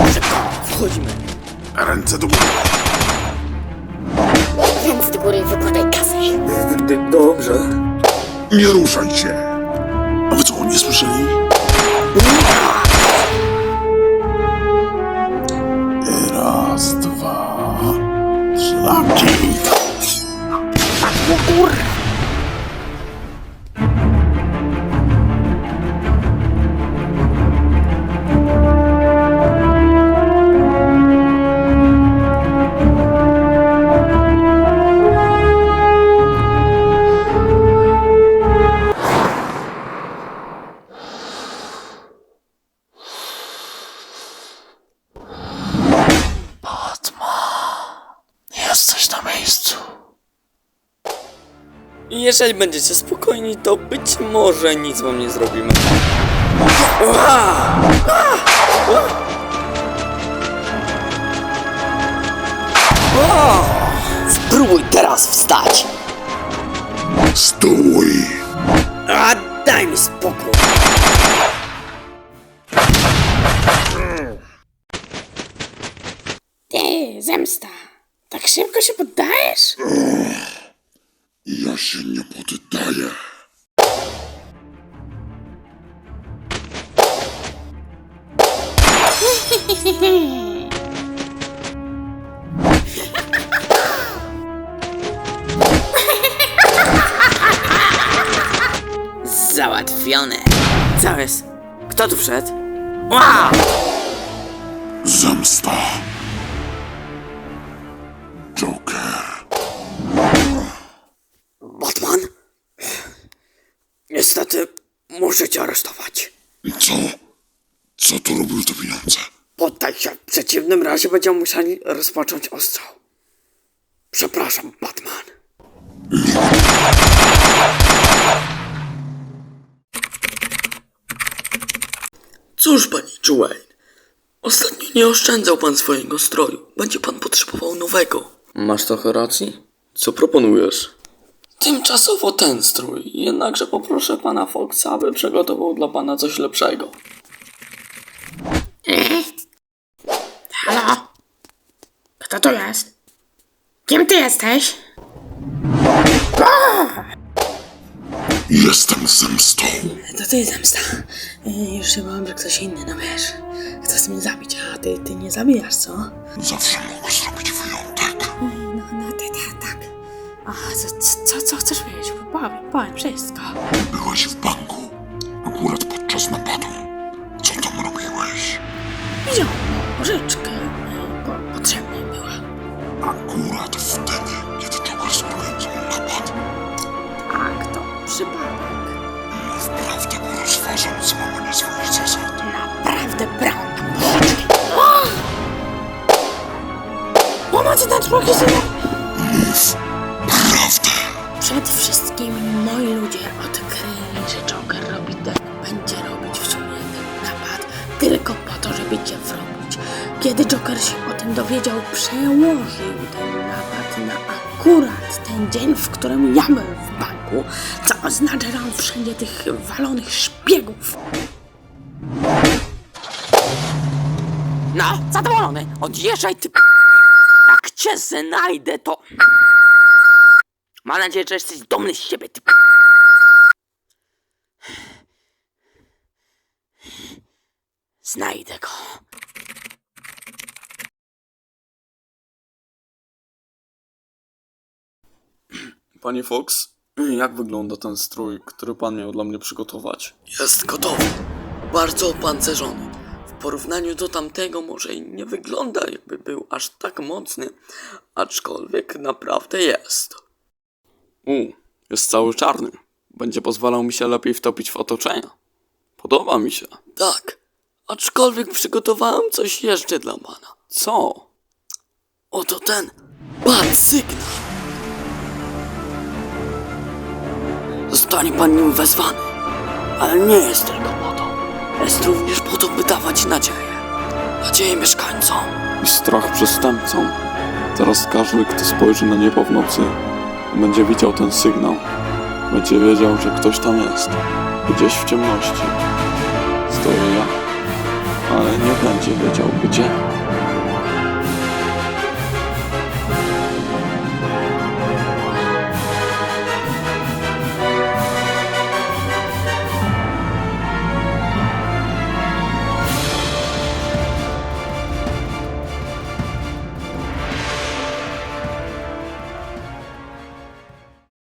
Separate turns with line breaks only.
Szybko, wchodzimy.
Ręce do góry.
Ręce do góry, wykładaj kasę.
Dobrze.
Nie ruszaj się. A wy co, nie słyszeli? Raz, dwa, szlaki. Jesteś na miejscu.
Jeżeli będziecie spokojni, to być może nic wam nie zrobimy. Spróbuj teraz wstać.
Stój.
A daj mi spokój.
Ty, zemsta. Tak szybko się poddajesz?
Ja się nie poddaję.
Załatwione. Co jest? Kto tu wszedł? Wow!
Zemsta. Joker.
Batman? Niestety, muszę cię aresztować.
Co? Co tu robił te pieniądze?
Poddaj się, w przeciwnym razie będziemy musieli rozpocząć ostrzał. Przepraszam, Batman. Cóż, panie Wayne, ostatnio nie oszczędzał pan swojego stroju. Będzie pan potrzebował nowego. Masz trochę racji? Co proponujesz? Tymczasowo ten strój, jednakże poproszę pana Foxa, aby przygotował dla pana coś lepszego.
Halo? Kto to jest? Kim ty jesteś?
Jestem zemstą.
To ty, zemsta. Już się bałam, że ktoś inny, no wiesz. Chce mnie zabić, a ty nie zabijasz, co?
Zawsze mogę zrobić wyjątek.
No, ty, tak. A co chcesz wiedzieć? Powiem wszystko.
Byłeś w banku. Akurat podczas napadu. Co tam robiłeś?
Wziął pożyczkę. Potrzebna mi była.
Akurat wtedy, kiedy Joker sporządzał napad.
Tak, to przypadek.
Mów prawdę, bo rozważam złamanie swoich zasad.
Naprawdę brałam tam pożyczkę. Pomocy ten człowiek się...
Mów prawdę.
Przed wszystkim moi ludzie odkryli, że Joker będzie robić w sumie ten napad tylko po to, żeby cię wrobić. Kiedy Joker się o tym dowiedział, przełożył ten napad na akurat ten dzień, w którym ja byłem w banku, co oznacza, że on wszędzie tych walonych szpiegów.
No, zadowolony. Odjeżdżaj, ty... Jak cię znajdę, to... Mam nadzieję, że jesteś dumny z siebie, ty... Znajdę go. Panie Fox, jak wygląda ten strój, który pan miał dla mnie przygotować? Jest gotowy. Bardzo opancerzony. W porównaniu do tamtego może i nie wygląda, jakby był aż tak mocny, aczkolwiek naprawdę jest. Jest cały czarny. Będzie pozwalał mi się lepiej wtopić w otoczenia. Podoba mi się. Tak, aczkolwiek przygotowałem coś jeszcze dla pana. Co? Oto ten bad sygnał. Zostanie pan nim wezwany, ale nie jest tylko po to. Jest również po to, by dawać nadzieję. Nadzieję mieszkańcom. I strach przestępcom. Teraz każdy, kto spojrzy na niebo w nocy, będzie widział ten sygnał. Będzie wiedział, że ktoś tam jest. Gdzieś w ciemności. Stoję ja, ale nie będzie wiedział gdzie.